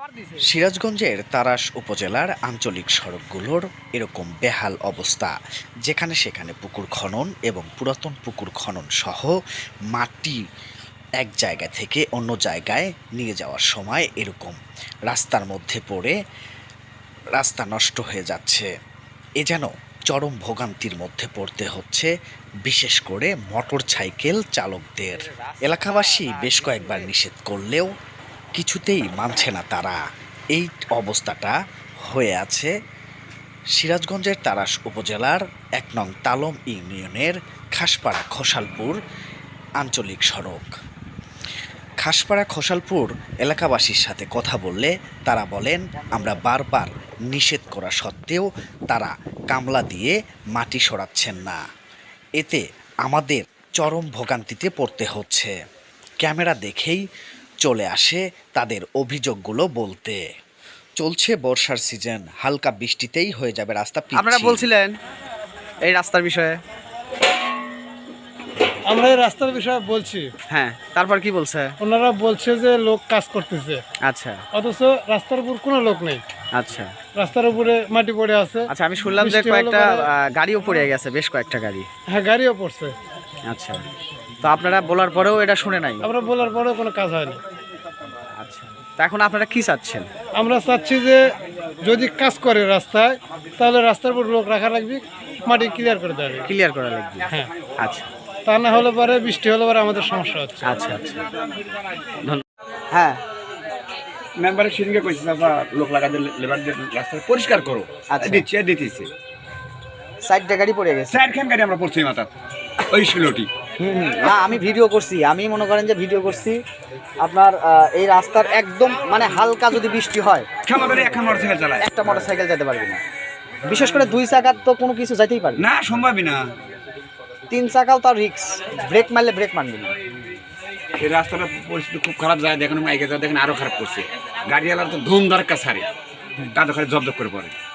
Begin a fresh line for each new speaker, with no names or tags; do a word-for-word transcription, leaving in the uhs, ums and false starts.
সিরাজগঞ্জের তাড়াশ উপজেলার আঞ্চলিক সড়কগুলোর এরকম বেহাল অবস্থা, যেখানে সেখানে পুকুর খনন এবং পুরাতন পুকুর খনন সহ মাটি এক জায়গা থেকে অন্য জায়গায় নিয়ে যাওয়ার সময় এরকম রাস্তার মধ্যে পড়ে রাস্তা নষ্ট হয়ে যাচ্ছে। এ যেন চরম ভোগান্তির মধ্যে পড়তে হচ্ছে, বিশেষ করে মোটর সাইকেল চালকদের। এলাকাবাসী বেশ কয়েকবার নিষেধ করলেও কিছুতেই মানছে না তারা। এই অবস্থাটা হয়ে আছে সিরাজগঞ্জের তাড়াশ উপজেলার এক নং তালম ইউনিয়নের খাসপাড়া খোসালপুর আঞ্চলিক সড়ক। খাসপাড়া খোসালপুর এলাকাবাসীর সাথে কথা বললে তারা বলেন, আমরা বারবার নিষেধ করা সত্ত্বেও তারা কামলা দিয়ে মাটি সরাচ্ছেন না। এতে আমাদের চরম ভোগান্তিতে পড়তে হচ্ছে। ক্যামেরা দেখেই চলে আসে তাদের অভিযোগগুলো বলতে। চলছে বর্ষার সিজন, হালকা বৃষ্টিতেই হয়ে যাবে রাস্তা।
আপনারা বলছিলেন এই রাস্তার বিষয়ে।
আমরা এই রাস্তার বিষয়ে বলছি,
হ্যাঁ, তারপর কি বলছে?
ওনারা বলছে যে লোক কাজ করতেছে,
আচ্ছা,
অথচ রাস্তার উপর কোনো লোক নেই।
আচ্ছা,
রাস্তার উপরে মাটি পড়ে আছে।
আচ্ছা, আমি শুনলাম যে কয়েকটা গাড়িও পড়ে গেছে, বেশ কয়েকটা গাড়ি।
হ্যাঁ, গাড়িও পড়ছে।
আচ্ছা, তো আপনারা বলার পরেও এটা শুনে নাই?
আমরা বলার পরেও কোনো কাজ হয়নি।
আচ্ছা, তা এখন আপনারা কি চাচ্ছেন?
আমরা চাচ্ছি যে যদি কাজ করে রাস্তায়, তাহলে রাস্তার উপর লোক রাখা লাগবে, মাটি ক্লিয়ার করে দেওয়া লাগবে।
ক্লিয়ার করা লাগবে,
হ্যাঁ।
আচ্ছা,
তা না হলে পরে বৃষ্টি হলে পরে আমাদের সমস্যা হচ্ছে।
আচ্ছা, আচ্ছা, ধন্যবাদ। হ্যাঁ,
মেম্বারের সিরিংকে কইছে চাচা লোক লাগাতে লেবারদের রাস্তা পরিষ্কার করো।
আচ্ছা,
দিচ্ছে দিতেছে
সাইডটা গাড়ি পড়ে গেছে।
চারখান গাড়ি আমরা পড়ছি মাথা ওই শিলটি।
হুম হুম, না আমি ভিডিও করছি, আমি মনে করেন যে ভিডিও করছি আপনার আহ, এই রাস্তার একদম মানে হালকা যদি বৃষ্টি হয়
ক্ষমা করে এখন মোটরসাইকেল চালায়,
একটা মোটরসাইকেল যেতে পারবে না। বিশেষ করে দুই চাকার তো কোনো কিছু যাইতেই পারবে না,
না সম্ভবই না।
তিন চাকাও তার রিক্স, ব্রেক মারলে ব্রেক মারবে না।
এই রাস্তাটা পরিস্থিতি খুব খারাপ যায়, দেখেন মাইকে যা দেখেন আরো খারাপ করছে। গাড়িওয়ালার তো ধুম দরকার সারে তাদের জব্দ করে পড়ে।